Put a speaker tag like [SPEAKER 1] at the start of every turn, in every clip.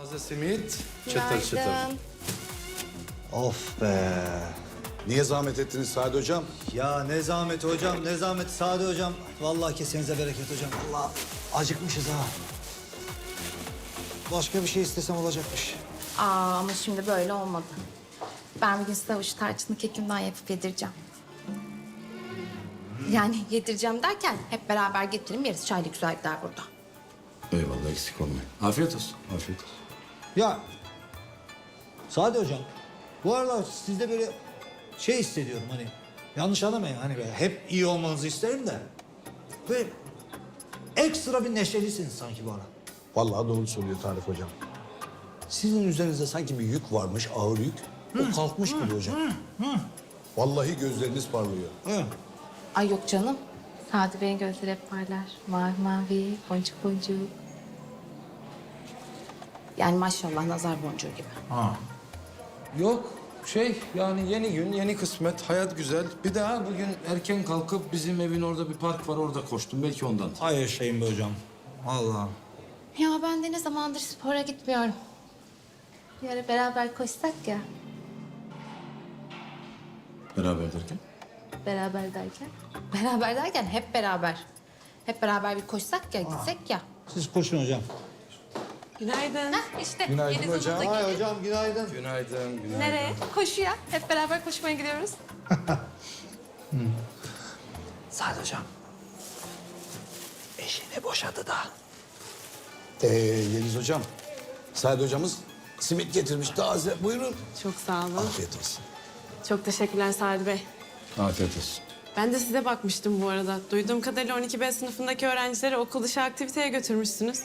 [SPEAKER 1] Taze simit, çıtır çıtır.
[SPEAKER 2] Günaydın.
[SPEAKER 3] Of be.
[SPEAKER 4] Niye zahmet ettiniz Sadi Hocam?
[SPEAKER 3] Ya ne zahmet hocam, ne zahmet Sadi hocam. Vallahi kesenize bereket hocam. Vallahi acıkmışız ha. Başka bir şey istesem olacakmış.
[SPEAKER 2] Ama şimdi böyle olmadı. Ben bugün size avuç tarçınlı kekimden yapıp yedireceğim. Yani yedireceğim derken hep beraber getirin yeriz. Çayla güzel gider burada.
[SPEAKER 1] Eyvallah, eksik olmayın. Afiyet olsun, afiyet olsun.
[SPEAKER 3] Ya Sadi hocam, bu arada sizde böyle şey hissediyorum hani. Yanlış anlamayın hani böyle hep iyi olmanızı isterim de. Böyle ekstra bir neşelisiniz sanki bu ara.
[SPEAKER 4] Vallahi doğru söylüyor Tarık Hocam. Sizin üzerinizde sanki bir yük varmış, ağır yük. O kalkmış gibi hocam. Vallahi gözleriniz parlıyor.
[SPEAKER 3] Hı.
[SPEAKER 2] Ay yok canım. Sadi Bey'in gözleri hep parlar. Mavi mavi, boncuk boncuk. Yani maşallah nazar boncuğu gibi.
[SPEAKER 1] Yok, yani yeni gün, yeni kısmet, hayat güzel. Bir daha bugün erken kalkıp bizim evin orada bir park var, orada koştum. Belki ondan.
[SPEAKER 3] Ay yaşayın be hocam. Allah.
[SPEAKER 2] Ya ben de ne zamandır spora gitmiyorum. Bir ara beraber koşsak ya.
[SPEAKER 1] Beraber derken?
[SPEAKER 2] Beraber derken? Beraber derken hep beraber. Hep beraber bir koşsak ya, gitsek ya.
[SPEAKER 3] Siz koşun hocam.
[SPEAKER 5] Günaydın.
[SPEAKER 2] İşte
[SPEAKER 4] Günaydın
[SPEAKER 2] Yeliz
[SPEAKER 4] hocam.
[SPEAKER 2] Hanım da
[SPEAKER 3] Ay
[SPEAKER 2] gelin.
[SPEAKER 3] hocam günaydın.
[SPEAKER 1] Günaydın, günaydın.
[SPEAKER 5] Nereye? Koşuya. Hep beraber koşmaya gidiyoruz.
[SPEAKER 3] Sadi hocam. Eşini boşadı da.
[SPEAKER 4] Yeliz Hocam, Sadi Hocamız simit getirmiş taze. Buyurun.
[SPEAKER 5] Çok sağ olun.
[SPEAKER 4] Afiyet olsun.
[SPEAKER 5] Çok teşekkürler Sadi Bey.
[SPEAKER 1] Afiyet olsun.
[SPEAKER 5] Ben de size bakmıştım bu arada. Duyduğum kadarıyla 12B sınıfındaki öğrencileri okul dışı aktiviteye götürmüşsünüz.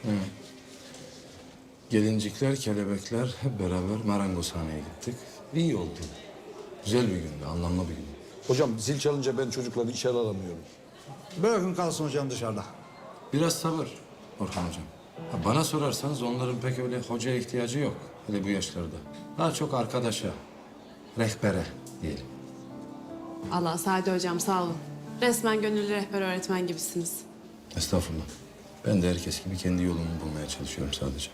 [SPEAKER 1] Gelincikler, kelebekler hep beraber marangozhaneye gittik. İyi oldu. Güzel bir gündü, anlamlı bir gündü.
[SPEAKER 4] Hocam zil çalınca ben çocukları içeri alamıyorum.
[SPEAKER 3] Bırakın kalsın hocam dışarıda.
[SPEAKER 1] Biraz sabır Orhan Hocam. Bana sorarsanız onların pek öyle hocaya ihtiyacı yok. Hele bu yaşlarda. Daha çok arkadaşa, rehbere diyelim.
[SPEAKER 5] Allah Sadi hocam sağ olun. Resmen gönüllü rehber öğretmen gibisiniz.
[SPEAKER 1] Estağfurullah. Ben de herkes gibi kendi yolumu bulmaya çalışıyorum sadece.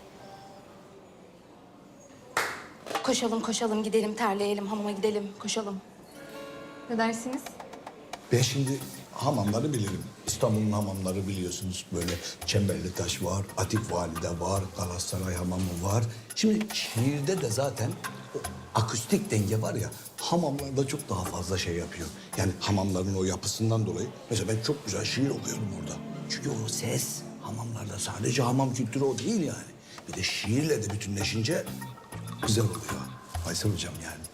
[SPEAKER 2] Koşalım koşalım gidelim terleyelim hamama gidelim koşalım. Ne dersiniz?
[SPEAKER 4] Ben şimdi hamamları bilirim. İstanbul'un hamamları biliyorsunuz. Böyle Çemberlitaş var, Atik Valide var, Galatasaray Hamamı var. Şimdi şiirde de zaten o akustik denge var ya, hamamlarda çok daha fazla şey yapıyor. Yani hamamların o yapısından dolayı. Mesela ben çok güzel şiir okuyorum orada. Çünkü o ses hamamlarda sadece hamam kültürü o değil yani. Bir de şiirle de bütünleşince güzel oluyor. Aysel Hocam yani.